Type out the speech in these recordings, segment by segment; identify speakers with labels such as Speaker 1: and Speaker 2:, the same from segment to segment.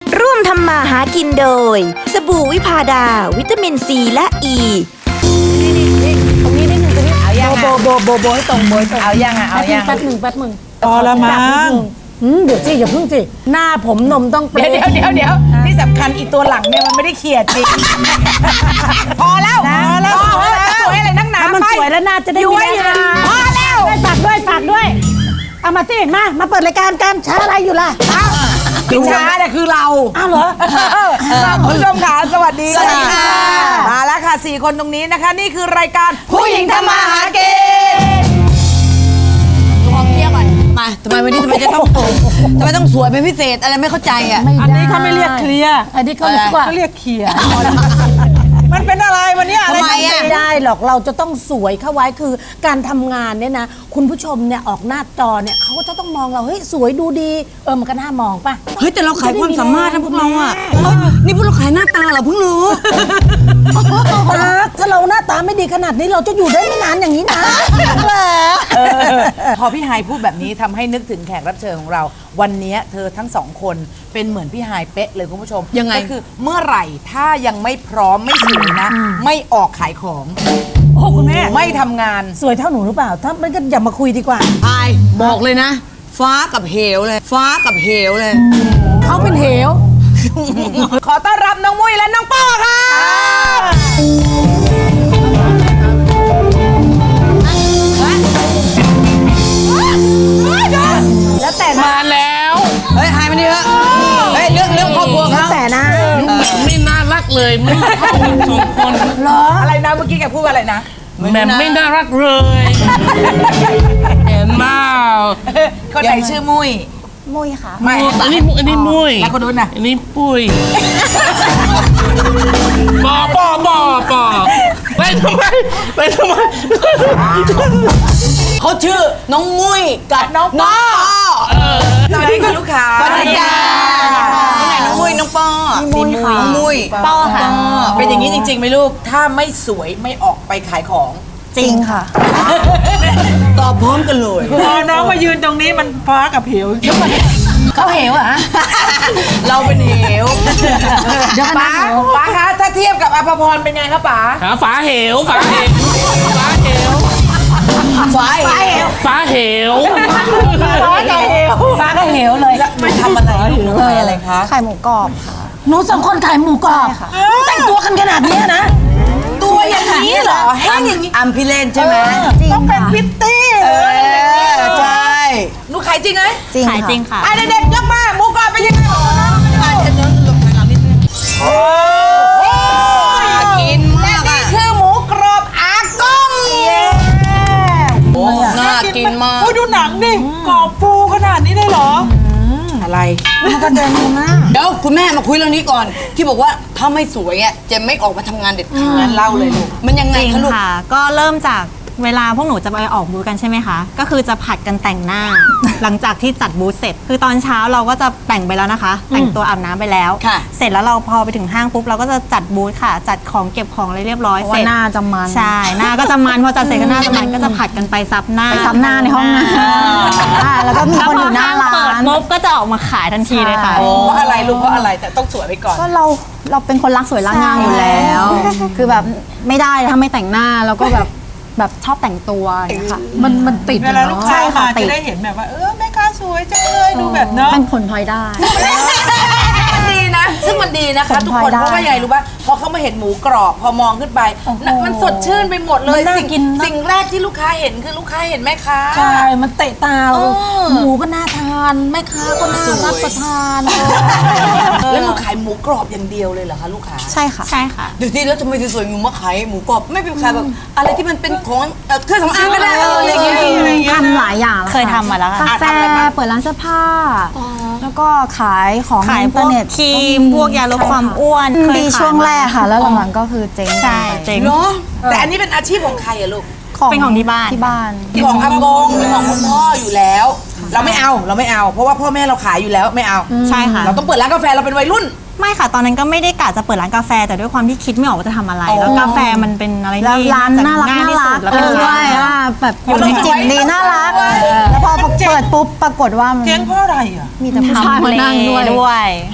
Speaker 1: ร่วมทำมาหากินโดยสบู่วิพาดาวิตามินซีและอ e.
Speaker 2: ตรงนี้นิดนึงตรงนี้เอายัง
Speaker 3: โบให้ตรงโบให้ตรง
Speaker 2: เอายังเอายัง
Speaker 3: แป๊บหนึ่งพอละมั้งเดี๋ยวสิอย่าเพิ่งสิหน้าผมนมต้องเปรี้
Speaker 2: เดี๋ยวที่สำคัญอีตัวหลังเนี่ยมันไม่ได้เขียดจริงพอแล้วสวยอะไรนักหนา
Speaker 3: มันสวยแล้วน่าจะได้มีแรง
Speaker 2: พอแล้ว
Speaker 3: ฝากด้วยเอามาสิมาเปิดรายการกันช้าอะไรอยู่ล่ะ
Speaker 2: พิชาเนี่ยคือเรา
Speaker 3: อ้าวเหรอ
Speaker 2: คุณผู้ชมค่ะสวัสดี
Speaker 3: สวัสดีค่ะ
Speaker 2: มาแล้วค่ะ4คนตรงนี้นะคะ นี่คือรายการ
Speaker 4: ผู้หญิงทำมาหากินขอเคลียร์ก่อนมาทำไมวันนี้ทำไมต้องสวยเป็นพิเศษอะไรไม่เข้าใจอ่ะ
Speaker 3: อันนี้เขาไม่เรียกเคลียร์อันนี้เขาเรียกว่าเขาเรียกเคลียร์
Speaker 2: มันเป็นอะไรวันนี้อะไร
Speaker 4: ทำไมอะ
Speaker 3: ไม่ได้หรอกเราจะต้องสวยเข้าไว้คือการทำงานเนี่ยนะคุณผู้ชมเนี่ยออกหน้าจอเนี่ยเขาก็จะต้องมองเราเฮ้ยสวยดูดีมันก็น่ามองป่ะ
Speaker 4: เฮ้ยแต่เราขายความสามารถนะพวกเราอ่ะเฮ้ยนี่พวกเราขายหน้าตาเหรอเพิ่งรู้
Speaker 3: ถ้าเราหน้าตาไม่ดีขนาดนี้เราจะอยู่ได้ไม่นานอย่างนี้นะเหรอ
Speaker 2: พอพี่ไฮายพูดแบบนี้ทำให้นึกถึงแขกรับเชิญของเรา วันนี้เธอทั้งสองคนเป็นเหมือนพี่ไฮายเป๊ะเลยคุณผู้ชม
Speaker 4: ยังไง
Speaker 2: ก็คือเมื่อไหร่ถ้ายังไม่พร้อมไม่สวยนะ ไม่ออกขายของ
Speaker 3: โอ้คุณแม่
Speaker 2: ไม่ทำงาน
Speaker 3: สวยเท่าหนูหรือเปล่า ถ้าไม่ก็อย่ามาคุยดีกว่า
Speaker 4: อายบอกเลยนะ ฟ้ากับเหวเลย ฟ้ากับเหวเลย
Speaker 3: เขาเป็นเหว
Speaker 2: ขอต้อนรับน้องมุ้ยและน้องป้อค่ะ
Speaker 3: แล้วแต่นะ
Speaker 5: มาแล้ว
Speaker 4: เฮ้ยหายมาดิเถอะเฮ้ยเรื่องครอบครัว
Speaker 3: แล้ว
Speaker 4: เขา
Speaker 3: แต่นะ
Speaker 5: ไม่น่ารักเลยไม่เข้ากันสองคน
Speaker 2: อะไรนะเมื่อกี้แกพูดว่าอะไรนะ
Speaker 5: แหม่มไม่น่ารักเลยเห็นมา
Speaker 2: คนไหนชื่อมุ้ย
Speaker 3: มุ้ยค่ะ
Speaker 2: ไม่
Speaker 5: อันนี้มุ้ย
Speaker 2: แล้วคนนู้นน่ะ
Speaker 5: อันนี้ปุ้ยปอไปทำไม
Speaker 4: เขาชื่อน้องมุ้ยกับ
Speaker 2: น้องป้อ สวัสดีค่ะลูกค้า
Speaker 4: สวัสดีจ้านี่ไหนน้องมุ้ยน้องป้อ
Speaker 3: มุ้ยค่ะ
Speaker 4: น้องมุ้ย
Speaker 3: ป้อค่ะ
Speaker 2: เป็นอย่างนี้จริงๆไหมลูก ถ้าไม่สวยไม่ออกไปขายของ
Speaker 3: จริงค่ะ
Speaker 4: ตอบพร้อมกันเลย
Speaker 3: พอน้องมายืนตรงนี้มันฟ้ากับเหว
Speaker 4: เขาเหวอ่ะ
Speaker 2: เราเป็นเหว
Speaker 3: เดี๋ยวนะ
Speaker 2: ป๋าคะถ้าเทียบกับอภพรเป็นไงคะป๋า
Speaker 5: หาฝาเหวฝาเหว
Speaker 4: ฟ้าเหว
Speaker 5: ฟ้าเหว
Speaker 3: ฟ้ากับเหวเลย
Speaker 2: ไม่ทำอะไรลูกขายอะไรคะ
Speaker 6: ไข่หมูกรอบค่ะ
Speaker 3: หนูสองคนขายหมูกรอบแต่งตัวกันขนาดนี้นะ
Speaker 2: ตัวอย่างนี้เหรอแห้งอย่างนี้
Speaker 4: อัมพิเลนใช่ไหม
Speaker 3: ต้องเป็นพิตตี้
Speaker 4: ใช่
Speaker 2: หนูขายจริงไหม
Speaker 6: จริงค่ะจริงค่ะ
Speaker 2: ไอ้เด็กๆยกมาหมูกรอบเป็นยังไง
Speaker 4: กินมากอ่ะ
Speaker 2: คือหมูกรอบอากง
Speaker 4: น่ากินมาก
Speaker 2: ดูหนังดิกรอบฟูขนาดนี้ได้เหรออะไร
Speaker 4: เดี๋ยวคุณแม่มาคุยเรื่องนี้ก่อน ที่บอกว่าถ้าไม่สวยอ่ะจะไม่ออกมาทำงานเด็ดขาด
Speaker 2: เล่าเลยลูก
Speaker 4: มันยังไง
Speaker 6: จริง
Speaker 4: คะลูก
Speaker 6: ค่ะ ก็เริ่มจากเวลาพวกหนูจะไปออกบูธกันใช่ไหมคะ ก็คือจะผัดกันแต่งหน้า หลังจากที่จัดบูธเสร็จ คือตอนเช้าเราก็จะแต่งไปแล้วนะคะ แต่งตัวอาบน้ำไปแล้ว
Speaker 4: ค่ะ
Speaker 6: เสร็จแล้วเราพอไปถึงห้างปุ๊บเราก็จะจัดบูธค่ะ จัดของเก็บของอะไรเรียบร้อย
Speaker 7: เพราะ
Speaker 6: เส
Speaker 7: ว่า
Speaker 6: ร็จ
Speaker 7: หน้าจะมัน
Speaker 6: ใช่ หน้าก็จะมันพอจัดเสร็จก็หน้าจะมันก็จะผัดกันไปซับหน้า
Speaker 7: ไปซับหน้าในห้องน้ำแล้วก็มีคนอยู่หน้าร้า
Speaker 6: เปิด
Speaker 7: น
Speaker 6: ปุ๊บก็จะออกมาขายทันทีเลยค่ะ
Speaker 2: เพราะอะไรลูกเพราะอะไรแต่ต้องสวยไปก่อน
Speaker 7: ก็เราเป็นคนรักสวยรักงามอยู่แล้ว คือแบบไม่ได้ถ้าไม่แต่งหน้าแล้วก็แบบชอบแต่งตัวอย่างเงี้ยค่ะ
Speaker 3: มันติด
Speaker 8: เวลาลูกค้า
Speaker 7: ใช่ค่ะ
Speaker 8: มา
Speaker 7: ติ
Speaker 8: จะ
Speaker 7: ด
Speaker 8: ได้เห็นแบบว่าแม่ค้าสวยจังเลยดูแบบเนาะ
Speaker 7: เป็นผลพลอยได้
Speaker 2: มันดีนะ ซึ่งมันดีนะคะ
Speaker 7: ผม
Speaker 2: ทุกคน
Speaker 7: พอได้
Speaker 2: เพราะว่าใหญ่รู้ป่ะพอเขามาเห็นหมูกรอบพอมองขึ้นไปน่ะมันสดชื่นไปหมดเลย
Speaker 3: มันน่า
Speaker 2: สิ่ง
Speaker 3: กินนะ
Speaker 2: สิ่งแรกที่ลูกค้าเห็นคือลูกค้าเห็นแม่ค้า
Speaker 3: ใช่ มันเตะตาหมูก็น่าทานแม่ค้าก็น่ารับประทาน
Speaker 2: แล้วลูกขายหมูกรอบอย่างเดียวเลยเหรอคะลูกค้า
Speaker 7: ใช่ค่ะ
Speaker 6: ใช่ค่ะ
Speaker 4: เดี๋ยวที่แล้วทำไมสวยๆงูมาขายหมูกรอบไม่เป็นขายแบบอะไรที่มันเป็นของเครื่องสำอางก็ได้อะไรอย่างเงี้ย
Speaker 7: ทำหลายอย่างแล้ว
Speaker 6: เคยทำมาแล้วค่ะ
Speaker 7: กาแฟเปิดร้านเสื้อผ้า แล้วก็ขายของ
Speaker 6: ขาย
Speaker 7: ในอิน
Speaker 6: พ
Speaker 7: เทอ
Speaker 6: วก
Speaker 7: ร์เน็ต
Speaker 6: ครีมพวกยาลดความอ้วน
Speaker 7: ดีช่วงแรกค่ะ แล้วหลังๆก็คือเจ๊ง
Speaker 6: ใช่เจ๊ง
Speaker 2: เนาะแต่อันนี้เป็นอาชีพของใครอะลูก
Speaker 6: เป็นของที่บ้าน
Speaker 7: ที่บ้าน
Speaker 2: ของอากงเป็นของคุณพ่ออยู่แล้ว เราไม่เอาเพราะว่าพ่อแม่เราขายอยู่แล้วไม่เอา
Speaker 6: ใช่ค่ะ
Speaker 2: เราต้องเปิดร้านกาแฟเราเป็นวัยรุ่น
Speaker 6: ไม่ค่ะ ตอนนั้นก็ไม่ได้กะจะเปิดร้านกาแฟ แต่ด้วยความที่คิดไม่ออกว่าจะทำอะไร แล้วกาแฟมันเป็นอะไร
Speaker 7: แล้ว
Speaker 6: ที่
Speaker 7: ร้านน่ารัก
Speaker 6: ง่าย
Speaker 7: น่า
Speaker 6: ที่สุ
Speaker 7: รั
Speaker 6: ด
Speaker 7: ก
Speaker 6: แล้วเป็น
Speaker 7: ด้
Speaker 6: ร้า
Speaker 7: วย
Speaker 6: น
Speaker 7: แบบอยู่ในจิตดีน่ารัก แล้วพอเปิดปุ๊บปรากฏว่ามัน
Speaker 8: เจ๊งเพราะอะไรอ่ะ
Speaker 7: มีแต่ผู้ชายมานั่งด้วย
Speaker 6: ด้วย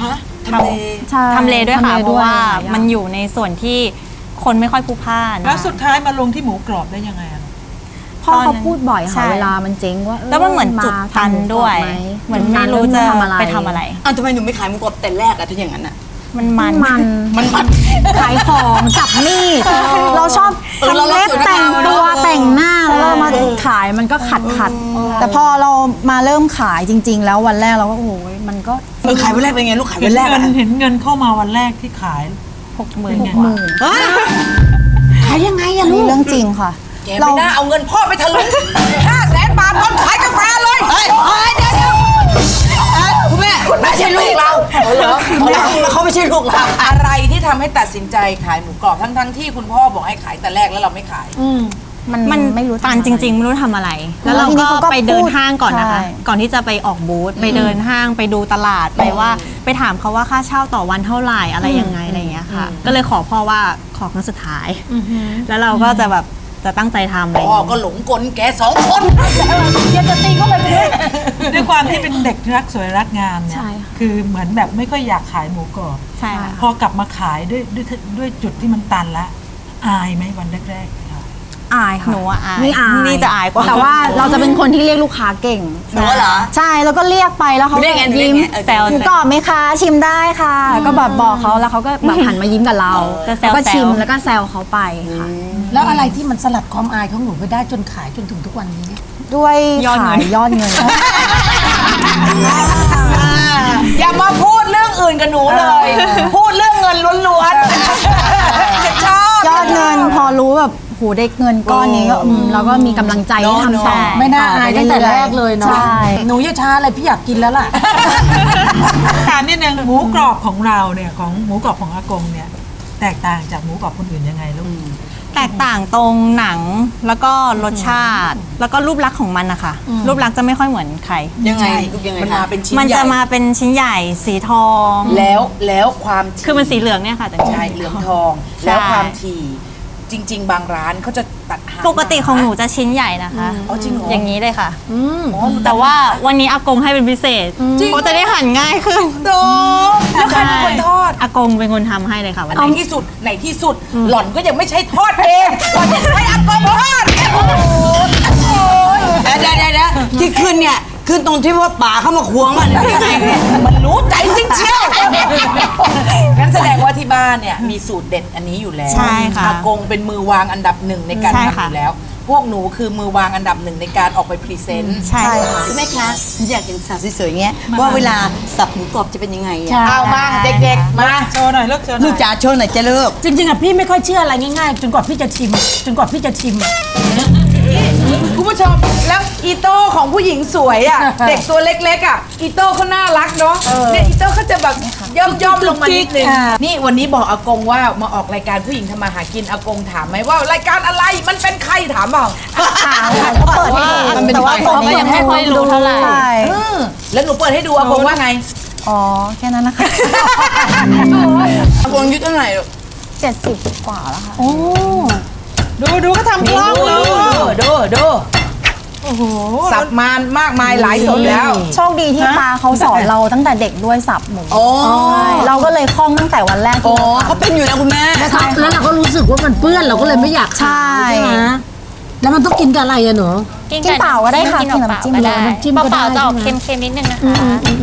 Speaker 7: ใช่
Speaker 6: ทำเลด้วยค่ะ
Speaker 7: ทำเล
Speaker 6: เพราะว่า
Speaker 7: หลยอย่ง
Speaker 6: มันอยู่ในส่วนที่คนไม่ค่อยพลุกพล่าน
Speaker 8: แล้วสุดท้ายมาลงที่หมูกรอบได้ยังไงอะ
Speaker 7: พ่อ
Speaker 6: ตอนนั้
Speaker 7: เขา
Speaker 6: น
Speaker 7: พูดบ่อย
Speaker 6: ใช่
Speaker 7: ค่ะเวลามันเจ๊งว่า
Speaker 6: แล้วมันเหมือนจุดตันด้วย เหมือนไม่รู้จะไปทำอะไร
Speaker 4: อ้าวทำไมหนูไม่ขายหมูกรอบแต่แรกอะถ้าอย่างนั้นอะ
Speaker 6: มันมัน
Speaker 4: มัน
Speaker 7: ขายของจับมีดเราชอบ
Speaker 4: เรา
Speaker 7: ทำเล็บ
Speaker 4: สวย
Speaker 7: แต่ง
Speaker 4: งาม
Speaker 7: ตัว
Speaker 4: เนอะ
Speaker 7: แต่งหน้าแล้วเรามาขายมันก็ขัดแต่พอเรามาเริ่มขายจริง ๆ แล้ววันแรกเราก็โอ้ยมันก็
Speaker 4: ขายวันแรกเป็นไงลูกขาย
Speaker 8: เห็
Speaker 4: วัน นแรก
Speaker 8: เงิ
Speaker 4: อะ
Speaker 8: นเห็นเงินเข้ามาวันแรกที่ขาย
Speaker 6: 60,000
Speaker 8: ไง
Speaker 3: ขายยังไงอะ
Speaker 7: อัน
Speaker 3: ลู
Speaker 7: นี้
Speaker 3: ก
Speaker 7: เรื่องจริงค่ะ
Speaker 2: แกไม่น่าเอาเงินพ่อไปทะลุ500,000 บาทตอนขายกาแฟเลย
Speaker 4: เฮ้ยเดี๋ยวคุณแม่ไม่ใช่ลูกเราเหรอเขาไม่ใช่ลูกเรา
Speaker 2: อะไรที่ทำให้ตัดสินใจขายหมูกรอบทั้งที่คุณพ่อบอกให้ขายแต่แรกแล้วเราไม่ขาย
Speaker 6: มัน
Speaker 7: ไม่รู้
Speaker 6: ตันจริง ๆ ไม่รู้ทำอะไร แล้วเรา
Speaker 7: ทีนี้
Speaker 6: ก็
Speaker 7: เขาก็
Speaker 6: ไปเดิน
Speaker 7: พูด
Speaker 6: ห้างก่อนนะคะ
Speaker 7: ใช่
Speaker 6: ก่อนที่จะไปออกบูธไปเดินห้างไปดูตลาดไปว่าไปถามเขาว่าค่าเช่าต่อวันเท่าไหร่อะไรยังไงอะไรอย่างเงี้ยค่ะ ก็เลยขอพ่อว่าขอครั้งสุดท้าย แล้วเราก็จะแบบจะตั้งใจทำอะไรอย่าง
Speaker 2: พ่อ
Speaker 6: เงี้ย
Speaker 2: ก็หลงกลแก2 คน
Speaker 8: ด้วยความที่เป็นเด็กรักสวยรักงามเนี่ย
Speaker 7: ใช่ค่ะ
Speaker 8: คือเหมือนแบบไม่ค่อยอยากขายหมูกรอบ
Speaker 6: ใช่ค่ะ
Speaker 8: พอกลับมาขายด้วยจุดที่มันตันละอายไหมวันแรกๆค่ะ
Speaker 7: อายค่ะ
Speaker 6: หนูอะอาย
Speaker 7: นี่อาย
Speaker 6: นี่จะอายกว่า
Speaker 7: แต่ว่าเราจะเป็นคนที่เรียกลูกค้าเก่ง
Speaker 4: หนูเหรอ
Speaker 7: ใช่แล้วก็เรียกไปแล้วเขา
Speaker 4: เรียกไง
Speaker 7: ยิ้ม
Speaker 4: เรียกไง
Speaker 6: แซว
Speaker 7: หมูกรอบไหมคะชิมได้ค่ะ ก็แบบบอกเขาแล้วเขาก็แบบหันมายิ้มกับเรา
Speaker 6: จะแซ
Speaker 7: แล้ว วก็ชิม
Speaker 6: ๆ
Speaker 7: แล้วก็แซวเขาไปค่ะ
Speaker 3: แล้วอะไรที่มันสลัดความอายของหนูไปได้จนขายจนถึงทุกวันนี้
Speaker 7: ด้วย
Speaker 6: ยอดเงิ
Speaker 7: ขาน ยยอดเงิน
Speaker 2: อย่ามาพูดเรื่องอื่นกับหนูเลย พูดเรื่องเงินล้วนๆชอบ
Speaker 7: ยอดเงินพอรู้แบบโหได้เงินก้อนนี้ก็เราก็มีกำลังใจที่ทำต่อ
Speaker 3: ไม่น่าอายตั้งแต่แรกเลยเนาะ
Speaker 7: ใช่
Speaker 3: หนูอย่าช้าอะไรพี่อยากกินแล้วล่ะ
Speaker 8: ถามนิดนึงหมูกรอบของเราเนี่ยของหมูกรอบของอากงเนี่ยแตกต่างจากหมูกรอบคนอื่นยังไงลูก
Speaker 6: แตกต่างตรงหนังแล้วก็รสชาติ แล้วก็รูปลักษณ์ของมันนะคะรูปลักษณ์จะไม่ค่อยเหมือนใคร
Speaker 4: ยังไงลูกยังไง
Speaker 2: มัน
Speaker 4: คะ
Speaker 2: มาเป็นชิ้น
Speaker 6: มัน
Speaker 2: ใหญ่
Speaker 6: จะมาเป็นชิ้นใหญ่สีทอง
Speaker 2: แล้วความถี่
Speaker 6: คือมันสีเหลืองเนี่ยค่ะแต่
Speaker 2: ใช่เหลืองทอง
Speaker 6: ใช่
Speaker 2: แล้วความถี่จริง ๆ บางร้านเขาจะตัดหาง
Speaker 6: ปกติของหนูจะชิ้นใหญ่นะคะ
Speaker 2: อ๋อจริงเหรอ
Speaker 6: อย่างนี้เลยค่ะ
Speaker 2: อ๋อหนู
Speaker 6: แต่ว่าวันนี้อากงให้เป็นพิเศษเพราะจะได้หั่นง่ายขึ้น
Speaker 2: โดแล้วใครเป็นคนทอด
Speaker 6: อากงเป็นคนทำให้เลยค่ะวัน
Speaker 2: ใน
Speaker 6: นี้
Speaker 2: ที่สุดหล่อนก็ยังไม่ใช่ทอดเองหล่อนใช้อากงทอดโอ้โห
Speaker 4: เดี๋ยวที่ขึ้นเนี่ยขึ้นตรงที่ว่าป่าเข้ามาควงมันยังไงเนี่ย
Speaker 2: มันรู้ใจจริงเชียวงั้นแสดงว่าที่บ้านเนี่ยมีสูตรเด็ดอันนี้อยู่แล้ว
Speaker 6: ใช่ค่ะ
Speaker 2: อากงเป็นมือวางอันดับ 1ในการ
Speaker 6: ใช่
Speaker 2: ทำ
Speaker 6: ค่ะ
Speaker 2: อยู่แล้ว พวกหนูคือมือวางอันดับ 1ในการออกไปพรีเซนต์
Speaker 6: ใช่ค่ะ
Speaker 4: คุณแม่คะอยากเห็นสาวสวยๆเงี้ยว่าเวลาสับหมูกรอบจะเป็นยังไงอะ
Speaker 2: เอามาเด็กๆมา
Speaker 8: โชว์หน่อยลูกโชว์หน่
Speaker 4: ลู
Speaker 8: อก ย
Speaker 4: จ๋าโชว์หน่อยจะเลิก
Speaker 3: จริงๆอะพี่ไม่ค่อยเชื่ออะไรง่ายๆ จนกว่าพี่จะชิม
Speaker 2: คุณผู้ชมแล้วอีโต้ของผู้หญิงสวยอ่ะ เด็กตัวเล็กๆอ่ะอีโต้เขาน่ารักเนาะเนี่ยอีโต้เขาจะแบบย่อมลงมานิดนึงนี่วันนี้บอกอากงว่ามาออกรายการผู้หญิงทำมาหากินอากงถามไหมว่ารายการอะไรมันเป็นใครถามเปล่า
Speaker 7: เขาเปิดให้ดู
Speaker 4: มันเป็น
Speaker 6: แต่ว่า
Speaker 4: ไฟ
Speaker 6: ผมก็ยังไม่ค่อยรู้เท่าไหร่
Speaker 7: ใช่
Speaker 2: แล้วหนูเปิดให้ดูอากงว่าไง
Speaker 7: อ๋อแค่นั้นนะคะ
Speaker 4: อากงอายุเท่าไหร่ลูก
Speaker 7: 70 กว่าแล้วค่ะ
Speaker 8: ดูก็ทำคล่องเลย
Speaker 2: ดูสับมานมากมายหลายสดแล้ว
Speaker 7: โชคดีที่ตาเขาสอนเราตั้งแต่เด็กด้วยสับหมู
Speaker 4: โอ้
Speaker 7: ใช่เราก็เลยคล่องตั้งแต่วันแรก
Speaker 4: โอ้
Speaker 7: ที่เรา
Speaker 4: เขาเป็นอยู่นะคุณแม่
Speaker 3: แล้วเราก็รู้สึกว่ามันเปื้อนเราก็เลยไม่อยาก
Speaker 7: ใช่
Speaker 3: ไหมแล้วมันต้องกินกับอะไรอะหนู
Speaker 7: กินเปล่าก็ได้ค่ะกินน้ำจิ้ม
Speaker 3: ก็
Speaker 7: ก็
Speaker 3: ได้
Speaker 7: ได้
Speaker 3: น้ำจิ้มก็ได้
Speaker 6: เปล่าๆจะออก
Speaker 3: ใช่ไหม
Speaker 6: เค็มๆนิดนึงนะคะ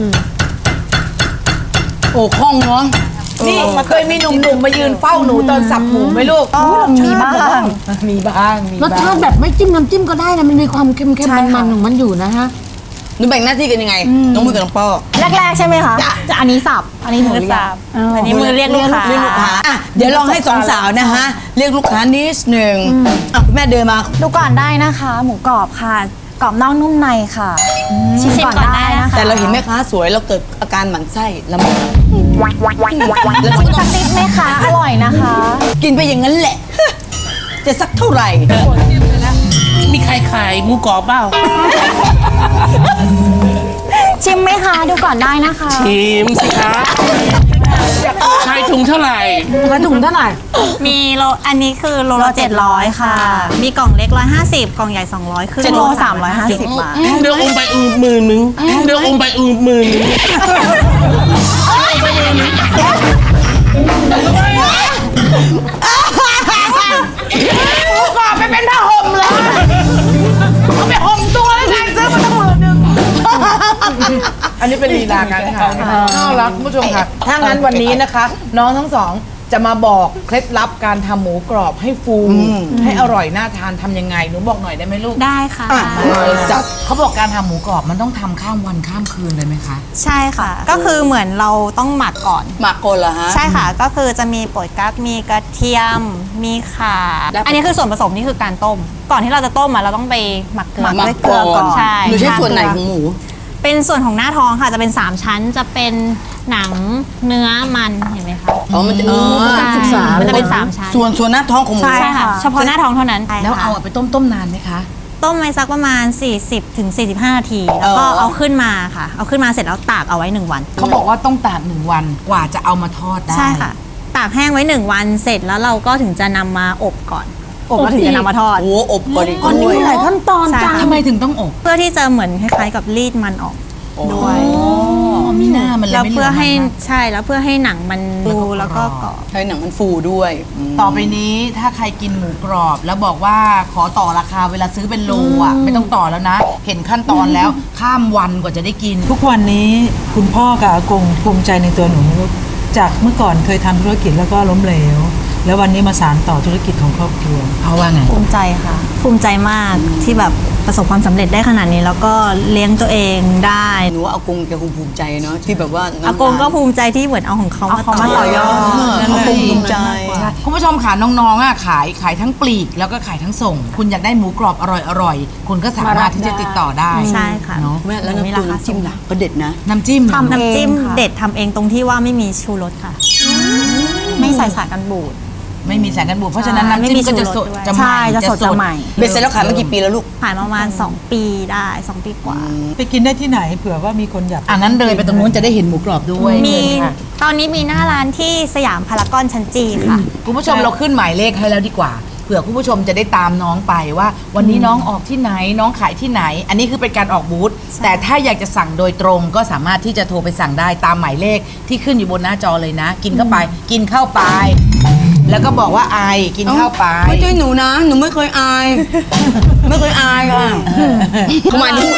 Speaker 4: โอ้คล่องเนาะ
Speaker 2: นี่เคยมีหนุ่มๆมายืนเฝ้าหนูตอนสับหมูไหมลูก
Speaker 7: มีบ้าง
Speaker 2: มีบ้าง
Speaker 3: รสชาติแบบไม่จิ้มน้ำจิ้มก็ได้นะมันมีความเค็มๆมันๆของมันอยู่นะฮะ
Speaker 4: หนูแบ่งหน้าที่กันยังไง น้องมือกับน้องป้อ
Speaker 7: แรกๆใช่ไหมคะจะอันนี้สับอันนี้หนู
Speaker 6: มือ
Speaker 7: เรีย
Speaker 6: สั
Speaker 7: ก
Speaker 6: บอันนี้มือเรียกลูกค้า
Speaker 4: เรียกลูกค้าอ่ะเดี๋ยวลองให้สองสาวนะฮะ เรียกลูกค้านิดหนึ่งอ่ะคุณแม่เดินมา
Speaker 7: ดูก่อนได้นะคะ หมูกรอบค่ะกรอบนอกนุ่มในค่ะชิมก่อนได้นะคะ
Speaker 4: แต่เราเห็นแม่ค้าสวยเราเกิดอาการหมั่นไส้แล้วมัน
Speaker 7: แล้วชิมสักนิดไหมคะอร่อยนะคะ
Speaker 4: กินไปอย่างนั้นแหละ จะสักเท่าไหร่
Speaker 5: มีใครขายหมูกรอบเปล่า
Speaker 7: ชิมไหมคะดูก่อนได้นะคะ
Speaker 5: ชิมสิคะขายถุงเท่าไหร่
Speaker 3: กระถุงเท่าไหร่
Speaker 6: มีโลอันนี้คือโลละ700ค่ะ มีกล่องเล็ก150กล่องใหญ่200คือ
Speaker 7: 7โล350 บาท
Speaker 5: เดี๋ยวอมไป10,000นึงเดี๋ยวอมไป10,000นึง
Speaker 2: หมูกรอบไปเป็นผ้าห่มเลยเอาไปห่มตัวแล้วไงซื้อมาตั้ง10,000อันนี้เป็นลีลาการขายน่ารักคุณผู้ชมค่ะ ถ้างั้นวันนี้นะคะ น้องทั้งสองจะมาบอกเคล็ดลับการทำหมูกรอบให้ฟูให้อร่อยน่าทานทำยังไงหนูบอกหน่อยได้ไหมลูก
Speaker 6: ได้ค่ะ
Speaker 2: จับเขาบอกการทำหมูกรอบมันต้องทำข้ามวันข้ามคืนเลยไหมคะ
Speaker 6: ใช่ค่ะ ก็คือเหมือนเราต้องหมักก่อน
Speaker 4: หมักโกนเหรอฮะ
Speaker 6: ใช่ค่ะ ก็คือจะมีโปรดกั๊กมีกระเทียม มีข่า อันนี้คือส่วนผสมนี่คือการต้ม ก่อนที่เราจะต้มเราต้องไปหมักเกลือด้วยเกลือก่อน ใช่
Speaker 4: หนูใช้ส่วนไหนของหมู
Speaker 6: เป็นส่วนของหน้าท้องค่ะ จะเป็น 3 ชั้น จะเป็นหนังเนื้อมันเห็นไหมคะ
Speaker 4: อ๋อ มันจะ
Speaker 6: ใช่มันจะเป็น 3 ชั้น
Speaker 4: ส่วนหน้าท้องของหมู
Speaker 6: ใช่ค่ะ เฉพาะหน้าท้องเท่านั้น
Speaker 2: แล้วเอาไปต้มนานไหมคะ
Speaker 6: ต้มไว้สักประมาณ 40 ถึง 45 นาที แล้วก็เอาขึ้นมาค่ะ เอาขึ้นมาเสร็จแล้วตากเอาไว้ 1 วัน
Speaker 2: เขาบอกว่าต้องตาก1 วันกว่าจะเอามาทอดได้
Speaker 6: ใช่ค่ะ ตากแห้งไว้ 1 วันเสร็จแล้วเราก็ถึงจะนำมาอบก่อน อบแล้วถึงจะนำมาทอด
Speaker 4: โอ้อบก่อนอีก
Speaker 3: อันนี้
Speaker 4: ด้วย
Speaker 3: มีหลายขั้นตอน
Speaker 6: ใช่
Speaker 3: จัง
Speaker 2: ทำไมถึงต้องอบ
Speaker 6: เพื่อที่จะเหมือนคล้ายๆกับรีดมันออกด้วย
Speaker 2: มีหน้ามันเลย
Speaker 6: แล้ว
Speaker 2: ไม่
Speaker 6: เพื่อให้
Speaker 2: ลืมันมาก
Speaker 6: ใช่แล้วเพื่อให้หนังมันดูแล้วก็กรอบ
Speaker 4: ให้หนังมันฟูด้วยม
Speaker 2: ต่อไปนี้ถ้าใครกินหมูกรอบ แล้วบอกว่าขอต่อราคาเวลาซื้อเป็นโลอ่ะไม่ต้องต่อแล้วนะ เห็นขั้นตอนแล้วข้ามวันกว่าจะได้กิน
Speaker 8: ทุกวันนี้คุณพ่อกับอากงภูมิใจในตัวหนูจากเมื่อก่อนเคยทำธุรกิจแล้วก็ล้มเหลว แล้ววันนี้มาสานต่อธุรกิจของครอบครัว
Speaker 2: เพราะว่าไง
Speaker 6: ภูมิใจค่ะ ภูมิใจมากที่แบบประสบความสำเร็จได้ขนาดนี้ แล้วก็เลี้ยงตัวเองได้
Speaker 4: หนูว่าอากงแกคงภูมิใจเนาะที่แบบว่า
Speaker 6: อากงก็ภูมิใจที่เหมือนเอาของเขามาต่อยอด
Speaker 4: อากงภูมิใจ
Speaker 2: คุณผู้ชมค่ะน้องๆอ่ะขายทั้งปลีกแล้วก็ขายทั้งส่ง คุณอยากได้หมูกรอบอร่อยๆคุณก็สามารถที่จะติดต่อได้
Speaker 6: ใช่ค่ะ
Speaker 2: เนาะ
Speaker 4: แม่แล้ว
Speaker 6: มี
Speaker 4: น้ำ
Speaker 6: รา
Speaker 4: จิ้ม
Speaker 6: คา
Speaker 4: จิ้มล่ะก็เด็ดนะ
Speaker 2: น้ำจิ้ม
Speaker 6: น้ำจิ้มเด็ดทำเองตรงที่ว่าไม่มีชูรสค่ะ ไม่ใส่สารกันบูด
Speaker 2: ไม่มีสารกันบูดเพราะฉะนั้นน้ำจิ้มก็จะสดจะใหม่
Speaker 6: ใช่จะสดจะใหม่
Speaker 4: เบ็ดเสร็จแล้วขายมากี่ปีแล้วลูก
Speaker 6: ขายประมาณ 2 ปีได้ 2 ปีกว่า
Speaker 8: ไปกินได้ที่ไหนเผื่อว่ามีคนอยาก
Speaker 2: อันนั้นเลยไปตรงนู้นจะได้เห็นหมูกรอบด้วย
Speaker 6: มี
Speaker 2: เชิญค่ะ
Speaker 6: ตอนนี้มีหน้าร้านที่สยามพารากอนชั้นจีค่ะ
Speaker 2: คุณผู้ชมเราขึ้นหมายเลขให้แล้วดีกว่าเผื่อคุณผู้ชมจะได้ตามน้องไปว่า วันนี้น้องออกที่ไหนน้องขายที่ไหน อันนี้คือเป็นการออกบูธแต่ถ้าอยากจะสั่งโดยตรงก็สามารถที่จะโทรไปสั่งได้ตามหมายเลขที่ขึ้นอยู่บนหน้าจอเลยนะ กินเข้าไป กินเข้าไป แล้วก็บอกว่าอายกินเข้าไป
Speaker 4: ไม่ใช่หนูนะ หนูไม่เคยอาย ไม่เคยอายค่ะทำไมถึง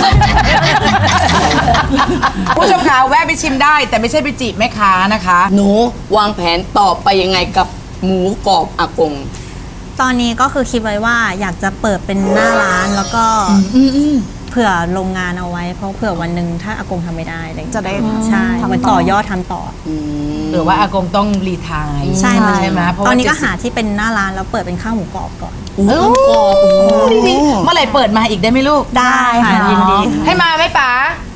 Speaker 2: ผู้ชมคะแวะไปชิมได้ แต่ไม่ใช่ไปจีบแม่ค้านะคะ
Speaker 4: หนูวางแผนต่อไปยังไงกับหมูกรอบอากง
Speaker 6: ตอนนี้ก็คือคิดไว้ว่าอยากจะเปิดเป็นหน้าร้านแล้วก็เผื่อโรงงานเอาไว้ เพราะเผื่อวันหนึ่งถ้าอากงทำไม่ได้อะไรอย่างเงี้ยจะได้ใช่เหมันต่อยอดทำต่อ
Speaker 2: หรือว่าอากงต้องรีไทาย
Speaker 6: ใช่
Speaker 2: ใช่ไหมเพราะ
Speaker 6: ตอ
Speaker 2: ว่าน
Speaker 6: นี้ก็หาที่เป็นหน้าร้านแล้วเปิดเป็นข้าวหมูกรอบก่อน
Speaker 2: เออดีๆเมื่อไหร่เปิดมาอีกได้ไหมลูก
Speaker 6: ได้ค่ะยินดี
Speaker 2: ให้มาไหมป๋า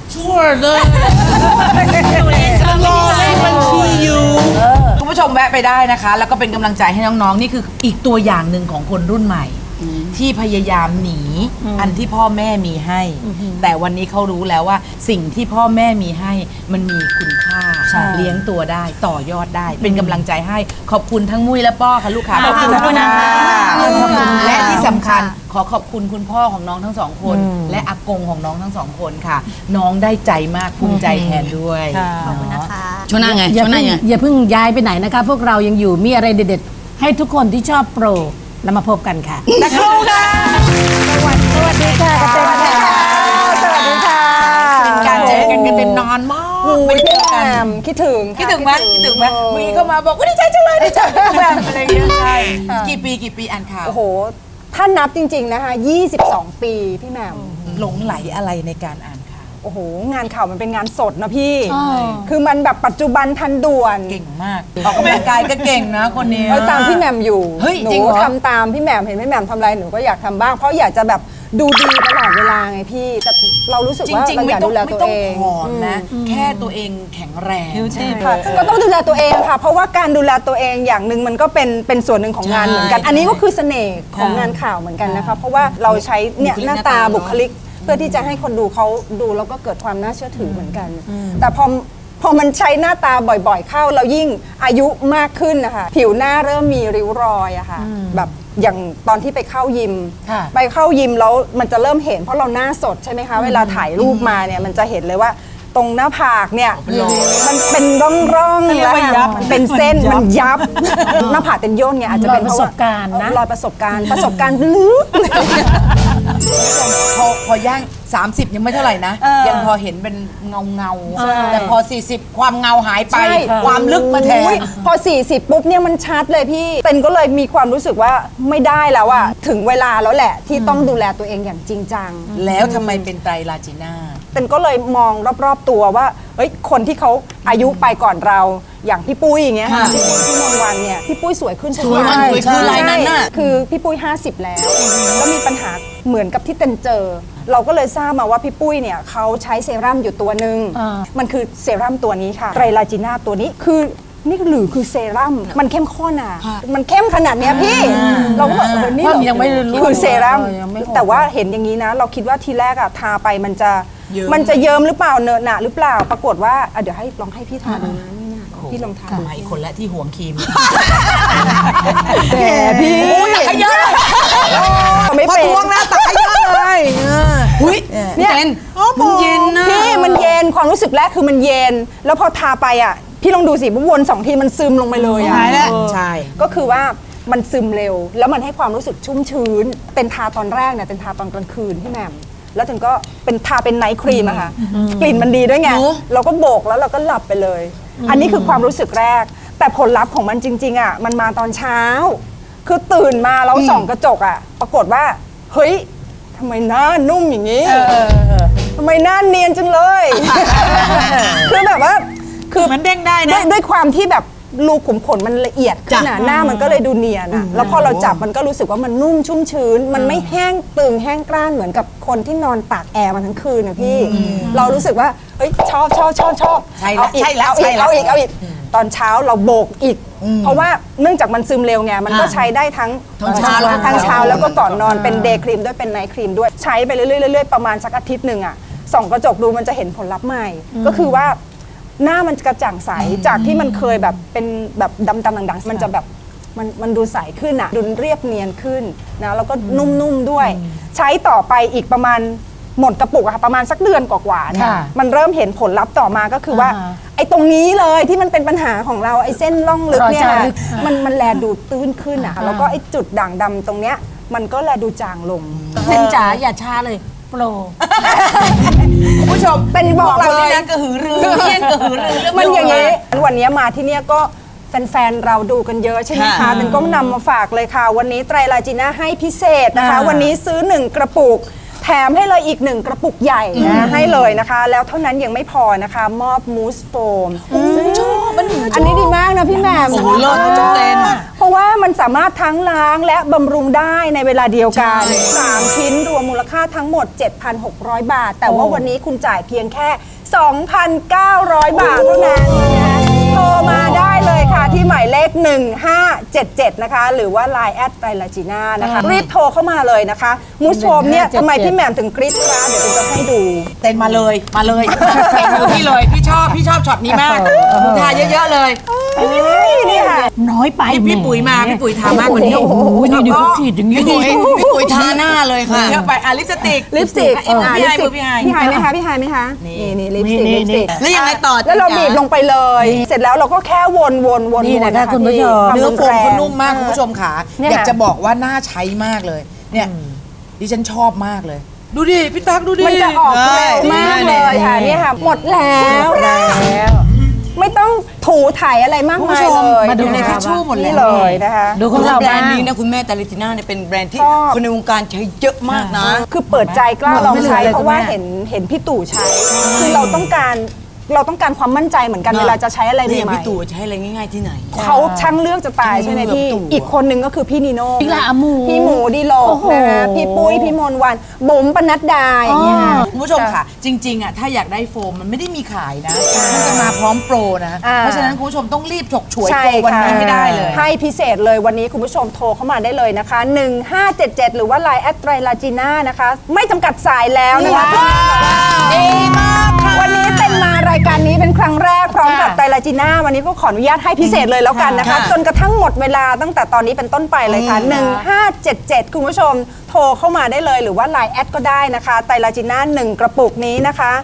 Speaker 2: คุณผู้ชมแวะไปได้นะคะ แล้วก็เป็นกำลังใจให้น้องๆ นี่คืออีกตัวอย่างหนึ่งของคนรุ่นใหม่ ที่พยายามหนีอันที่พ่อแม่มีให้ แต่วันนี้เขารู้แล้วว่าสิ่งที่พ่อแม่มีให้มันมีคุณค่าเลี้ยงตัวได้ต่อยอดได้ เป็นกำลังใจให้ขอบคุณทั้งมุ้ยและป้อค่ะลูกค้า
Speaker 6: ขอบคุณนะคะ
Speaker 2: และที่สำคัญขอขอบคุณคุณพ่อของน้องทั้งสองคน และอากงของน้องทั้งสองคนค่ะ น้องได้ใจมากภูมิใจแทนด้วย
Speaker 6: ขอบคุณนะคะ
Speaker 4: ช่วงหน้าไง
Speaker 3: อย่า
Speaker 4: ช่วงหน้า
Speaker 3: เพิ่ง
Speaker 4: ไง
Speaker 3: อย่าเพิ่งย้ายไปไหนนะคะ พวกเรายังอยู่มีอะไรเด็ดๆ ให้ทุกคนที่ชอบโปรแล้วมาพบกันค่ะ
Speaker 2: สักครู่ค่ะ
Speaker 3: สวัสดีค่ะกระเตงค่ะสวัสดีค่ะ
Speaker 2: เป็นการเจอกันกันเป็นนานมากไม่เจอกัน
Speaker 9: คิดถึง
Speaker 2: คิดถึงไหมคิดถึงไหมเมื่อกี้เข้ามาบอกว่าดีใจจังเลยดีใจจังเลยอะไรอย่างเงี้ยใช่กี่ปีอ่านข่าว
Speaker 9: โอ้โห ถ้านับจริง ๆ นะคะ 22 ปีพี่แหม่ม
Speaker 2: หลงไหลอะไรในการอ่านข่าว
Speaker 9: โอ้โห งานข่าวมันเป็นงานสดนะพี่ คือมันแบบปัจจุบันทันด่วน
Speaker 2: เก่งมากออกกำลังกายก็เก่งนะคนนี้
Speaker 9: ตามพี่แหม่มอยู่
Speaker 2: เฮ้ย
Speaker 9: หนู
Speaker 2: จริงเหรอ
Speaker 9: ทำตามพี่แหม่มเห็นพี่แหม่มทำอะไรหนูก็อยากทำบ้าง เพราะอยากจะแบบดูดีตลอดเวลาไงพี่ แต่เรารู้สึก
Speaker 2: จ
Speaker 9: ว่า
Speaker 2: ริง
Speaker 9: เรา
Speaker 2: ๆ
Speaker 9: อยากดูแลตัวเอง
Speaker 2: ผอมนะ แค่ตัวเองแข็งแรง
Speaker 9: ค่ะก็ต้องดูแลตัวเองค่ะ เพราะว่าการดูแลตัวเองอย่างหนึ่งมันก็เป็นส่วนหนึ่งของงานเหมือนกัน อันนี้ก็คือเสน่ห์ของงานข่าวเหมือนกันนะคะ เพราะว่าเราใช้เนี่ยหน้าตาบุคลิก เพื่อที่จะให้คนดูเขาดูแล้วก็เกิดความน่าเชื่อถือเหมือนกัน แต่พอมันใช้หน้าตาบ่อยๆเข้าเรายิ่งอายุมากขึ้นนะคะผิวหน้าเริ่มมีริ้วรอยอะค่ะแบบอย่างตอนที่ไปเข้ายิม
Speaker 2: ค่ะ
Speaker 9: ไปเข้ายิมแล้วมันจะเริ่มเห็นเพราะเราหน้าสดใช่ไหมคะเวลาถ่ายรูปมาเนี่ยมันจะเห็นเลยว่าตรงหน้าผากเนี่ยมันเป็นร่องๆแล้วเป็นเส้นมันยับหน้าผากเป็นย่นไงอาจจะเป็น
Speaker 3: ประสบการณ์นะ
Speaker 9: รอยประสบการณ์ลึก
Speaker 2: พอย่าง 30 ยังไม่เท่าไหร่นะ ยังพอเห็นเป็นเงาแต่พอ 40 ความเงาหายไป
Speaker 9: ใช่
Speaker 2: ความลึกมาแท
Speaker 9: อุ๊
Speaker 2: น
Speaker 9: ยพอ 40 ปุ๊บเนี่ยมันชัดเลยพี่เต็นก็เลยมีความรู้สึกว่าไม่ได้แล้วอะถึงเวลาแล้วแหละที่ต้องดูแลตัวเองอย่างจริงจัง
Speaker 2: แล้วทำไมเป็นไตรลาจีน่า
Speaker 9: เต็นก็เลยมองรอบๆตัวว่าเฮ้ยคนที่เขาอายุไปก่อนเราอย่างพี่ปุ้ยอย่างเงี้ยค่ะพี่ปุ้ยพี่มนต์วันเนี่ยพี่ปุ้ยสวยขึ้น
Speaker 2: สวยมันสวยขึ้นอะไรนั้นน่ะ
Speaker 9: คือพี่ปุ้ย 50 แล้วก็มีปัญหาเหมือนกับที่เต็นเจอ เราก็เลยทราบมาว่าพี่ปุ้ยเนี่ยเขาใช้เซรั่มอยู่ตัวหนึ่งมันคือเซรั่มตัวนี้ค่ะไตรลาจีน่าตัวนี้คือนี่หรือคือเซรั่มมันเข้มข้นอ่ะมันเข้มขนาดเนี้ยพี่เราก็แบบนี่เหรอ
Speaker 3: ยังไม่รู้
Speaker 9: คือเซรั่ม
Speaker 3: ยังไม่ออก
Speaker 9: แต่ว่าเห็นอย่างนี้นะ เราคิดว่าทีแรกอะทาไปมันจะเยิ้มหรือเปล่าเนอะหนะหรือเปล่าปรากฏว่าเดี๋ยวให้ลองให้พี่ทาดูนะนี่นะพี่ลองทาดู
Speaker 2: ไอ้คนละที่ห่วงครีม
Speaker 9: แหมพี่
Speaker 2: ตักขยะ
Speaker 9: ไม่
Speaker 2: พอ
Speaker 9: เป็น
Speaker 2: ทวงนะตักขยะเลยหุ้ย
Speaker 9: เนี่ย
Speaker 2: มันเย็นนะ
Speaker 9: พี่มันเย็นความรู้สึกแรกคือมันเย็น แล้วพอทาไปอะพี่ลองดูสิวน2 ทีมันซึมลงไปเลยอะ
Speaker 2: ใช่
Speaker 9: ก็คือว่ามันซึมเร็ว แล้วมันให้ความรู้สึกชุ่มชื้นเป็นทาตอนแรกเนี่ยเป็นทาตอนกลางคืนพี่แหม่มแล้วถึงก็เป็นทาเป็นไนท์ครีมอะค่ะกลิ่นมันดีด้วยไงเราก็โบกแล้วเราก็หลับไปเลย อันนี้คือความรู้สึกแรก แต่ผลลัพธ์ของมันจริงๆอะมันมาตอนเช้า คือตื่นมาแล้วส่องกระจกอะปรากฏว่าเฮ้ยทำไมหน้านุ่มอย่างนี้ทำไมหน้าเนียนจังเลย คือแบบว่าคือ
Speaker 8: มันเด้งได้นะ
Speaker 9: ด้วยความที่แบบรูขุมขนมันละเอียดขึ้นหน้ามันก็เลยดูเนียนอะแล้วพอเราจับมันก็รู้สึกว่ามันนุ่มชุ่มชื้น มันไม่แห้งตึงแห้งกร้านเหมือนกับคนที่นอนตากแอร์มาทั้งคืนนะพี่ เรารู้สึกว่าเฮ้ยชอบ
Speaker 2: ใช่แล้ว
Speaker 9: เอาอีก
Speaker 2: ใช่แล้ว
Speaker 9: เอา
Speaker 2: ใช่
Speaker 9: อีก
Speaker 2: แล้ว
Speaker 9: เอาอีกตอนเช้าเราโบกอีก เพราะว่าเนื่องจากมันซึมเร็วไงมันก็ใช้ได้ทั้ง
Speaker 2: ทั้งเช้าแล้วก็
Speaker 9: ทั้งเช้าแล้วก็ก่อนนอนเป็นเดย์ครีมด้วยเป็นไนท์ครีมด้วยใช้ไปเรื่อยๆประมาณสักอาทิตย์หนึ่งอะส่องกระจกดูมันจะเห็นผลลัพธ์ใหม่ ก็คือว่าหน้ามันกระจ่างใสจากที่มันเคยแบบเป็นแบบดำๆดังๆมันจะแบบมันดูใสขึ้นอะดูเรียบเนียนขึ้นนะแล้วก็นุ่มๆด้วย ใช้ต่อไปอีกประมาณหมดกระปุกอะค่ะประมาณสักเดือนกว่าๆเนี่ยมันเริ่มเห็นผลลัพธ์ต่อมาก็คือว่าไอ้ตรงนี้เลยที่มันเป็นปัญหาของเราไอ้เส้นร่องลึกเนี่ยมันแลดูตื้นขึ้นอะแล้วก็ไอ้จุดด่างดำตรงเนี้ยมันก็แลดูจางลง
Speaker 3: เป็นจ๋าอย่าช้าเลยโปร
Speaker 2: คุณผู้ชม
Speaker 9: เป็นบอกเรา
Speaker 2: นี่นะกระหือรือเยี่ยนกระหือรือเรื่อง
Speaker 9: มันอย่างนี้วันนี้มาที่เนี่ยก็แฟนๆเราดูกันเยอะใช่ไหมคะเป็นก็นำมาฝากเลยค่ะ วันนี้ไตรลาจีน่าให้พิเศษนะคะ วันนี้ซื้อ1กระปุกแถมให้เลยอีก1กระปุกใหญ่นะให้เลยนะคะ แล้วเท่านั้นยังไม่พอนะคะ มอบมูสโฟมชอบอันนี้ดีมากนะพี่แหม่ม
Speaker 2: โอ้โหเลิศจังเลย
Speaker 9: เพราะว่ามันสามารถทั้งล้างและบำรุงได้ในเวลาเดียวกัน3ชิ้นรวมมูลค่าทั้งหมด 7,600 บาท แต่ว่าวันนี้คุณจ่ายเพียงแค่ 2,900 บาทเท่านั้นนะคะโทรมาได้เลยค่ะที่หมายเลข 1577 นะคะ หรือว่า Line แอดไตรลาจีน่านะคะรีบโทรเข้ามาเลยนะคะมูสโฟมเนี่ยทำไมพี่แหม่มถึงกรี๊ดกราดเดี๋ยวจะให้ดู
Speaker 2: เต้นมาเลยใส่มือพี่เลยพี่ชอบช็อตนี้มากหนูทาเยอะๆเลย
Speaker 9: นี่ค่ะ
Speaker 3: น้อยไป
Speaker 2: พี่ปุ๋ยมาพี่ปุ๋ยทามากกว่านี้
Speaker 3: โอ้โหนี่ดูเขาขีดอย่างนี้
Speaker 2: พี่ปุ๋ยทาหน้าเลยค่ะเยอะไปลิปสติก
Speaker 9: ลิปสติก
Speaker 2: พี่ไฮมือพี่ไฮ
Speaker 9: พี่ไฮไหมคะพี่ไฮไหมคะนี่ลิปสติกลิปสติก
Speaker 2: แล้วยังไงต่อ
Speaker 9: แล้วเราบีบลงไปเลย เสร็จแล้วเราก็แค่วน
Speaker 3: นี่นะคะคุณผู้ชม
Speaker 2: เนื้อโฟมเขานุ่มมากคุณผู้ชมค่ะ
Speaker 9: เนี่ย
Speaker 2: อยากจะบอกว่าน่าใช้มากเลยเนี่ยดิฉันชอบมากเลย ดูดิพี่ตั๊กดูดิ
Speaker 9: มันจะออกเร็วมากเลยค่ะนี่ค่ะหมดแล้วไม่ต้องถูถ่ายอะไรมากมายเลย
Speaker 3: มาดู
Speaker 9: ใน
Speaker 3: ในทิชชู่
Speaker 9: หมดเลยนะคะ
Speaker 3: ดูของเรา
Speaker 4: แบรนด์
Speaker 3: บ้าง
Speaker 4: นี้นะคุณแม่แต่ลิติน่าเนี่ยเป็นแบรนด์ที่
Speaker 9: ชอบ
Speaker 4: คนในวงการใช้เยอะมากนะ
Speaker 9: คือเปิดใจกล้าลองใช้
Speaker 3: ไม่เหลือเลย
Speaker 9: เพราะว่า
Speaker 3: คุณแม่
Speaker 9: เห็นพี่ตู่ใช้ คือเราต้องการความมั่นใจเหมือนกันเวลาจะใช้อะไร
Speaker 4: นี่อย่าง
Speaker 9: ใหม่
Speaker 4: พี่ตู่ใช้อะไรง่ายๆที่ไหน
Speaker 9: ๆเขาช่างเลือกจะตายใช่ไหมพี่
Speaker 4: ตู่
Speaker 9: อีกคนนึงก็คือพี่นีโน่
Speaker 3: พี่ละหมู
Speaker 9: พี่หมูดีโลกนะคะพี่ปุ้ยพี่มนต์วันบุ๋มปนัดดาอย่างเงี้ย
Speaker 2: คุณผู้ชมค่ะ จริงๆอ่ะถ้าอยากได้โฟมมันไม่ได้มีขายนะ มันจะมาพร้อมโปรนะ เพราะฉะนั้นคุณผู้ชมต้องรีบฉกฉวย
Speaker 9: ใช่
Speaker 2: โปรวันนี้ให้ได้เลย
Speaker 9: ให้พิเศษเลยวันนี้คุณผู้ชมโทรเข้ามาได้เลยนะคะ 1577 หรือว่า Line แอดไตรลาจีน่านะคะ ไม่จำกัดสายแล้วนะคะดีมากค่ะวันนี้เป็นมารายการนี้เป็นครั้งแรกพร้อมกับไตรลาจีน่าวันนี้ก็ขออนุญาตให้พิเศษเลยแล้วกันนะคะ จนกระทั่งหมดเวลาตั้งแต่ตอนนี้เป็นต้นไปเลยค่ะ 1577 คุณผู้ชมโทรเข้ามาได้เลยหรือว่า Line แอดก็ได้นะคะไตรลาจีน่า1กระปุกนี้นะคะ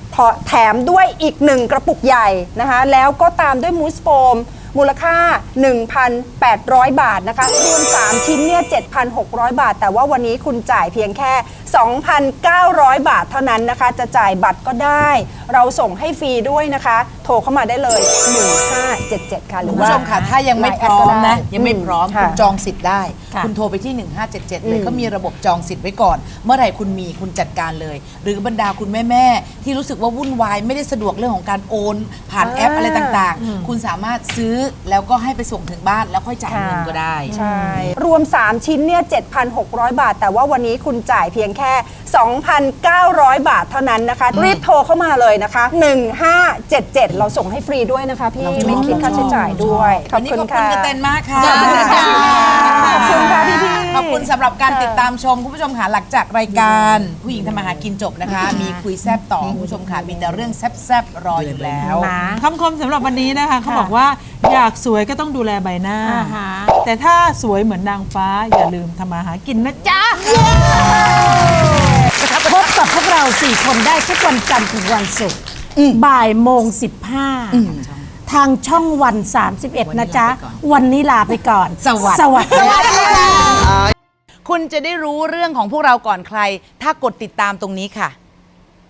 Speaker 9: แถมด้วยอีก 1 กระปุกใหญ่นะคะแล้วก็ตามด้วยมูสโฟมมูลค่า 1,800 บาทนะคะรวม3ชิ้นเนี่ย 7,600 บาทแต่ว่าวันนี้คุณจ่ายเพียงแค่ 2,900 บาทเท่านั้นนะคะจะจ่ายบัตรก็ได้เราส่งให้ฟรีด้วยนะคะโทรเข้ามาได้เลย1577ค่ะหรือ
Speaker 2: คุณ
Speaker 9: ว่า
Speaker 2: ผู้ชมค่ะถ้ายังไม่พร้อมนะยังไม่พร้อม
Speaker 9: ค่ะ
Speaker 2: คุณจองสิทธิ์ได้ คุณโทรไปที่ 1577 เลยเขามีระบบจองสิทธิ์ไว้ก่อน เมื่อไหร่คุณมีคุณจัดการเลย หรือบรรดาคุณแม่ๆที่รู้สึกว่าวุ่นวายไม่ได้สะดวกเรื่องของการโอนผ่านแอปอะไรต่างๆ คุณสามารถซื้อแล้วก็ให้ไปส่งถึงบ้านแล้วค่อยจ่ายเงินก็ได้
Speaker 9: ใช่รวม 3 ชิ้นเนี่ย 7,600 บาท แต่ว่าวันนี้คุณจ่ายเพียงแค่ 2,900 บาทเท่านั้นนะคะ รีบโทรเข้ามาเลยนะคะ 1577 เราส่งให้ฟรีด้วยนะคะพี่ไม่คิดค่าใช้จ่ายด้วยขอบ
Speaker 2: วันนี้
Speaker 9: คุณ
Speaker 2: ขอบคุณ
Speaker 9: ค่ะ
Speaker 2: กระเตนมากค่ะ
Speaker 9: ขอบคุณค่ะขอบคุณค่ะพี่ๆ
Speaker 2: ขอบคุณสำหรับการติดตามชมคุณผู้ชมค่ะหลังจากรายการผู้หญิงทำมาหากินจบนะคะ มีคุยแซบต่อคุณผู้ชมค่ะมีแต่เรื่องแซบๆรออยู่แล้ว
Speaker 8: คำคมสำหรับวันนี้นะคะเขาบอกว่าอยากสวยก็ต้องดูแลใบหน้า แต่ถ้าสวยเหมือนนางฟ้าอย่าลืมทำมาหากินนะจ๊ะ
Speaker 3: พบกับพวกเรา4 คนได้ทุกวันจันทร์ถึงวันศุกร์บ่ายโมง 15 ทางช่องวัน 31 นะจ๊ะ วันนี้ลาไปก่อน สวัสดีค่ะ
Speaker 2: คุณจะได้รู้เรื่องของพวกเราก่อนใคร ถ้ากดติดตามตรงนี้ค่ะ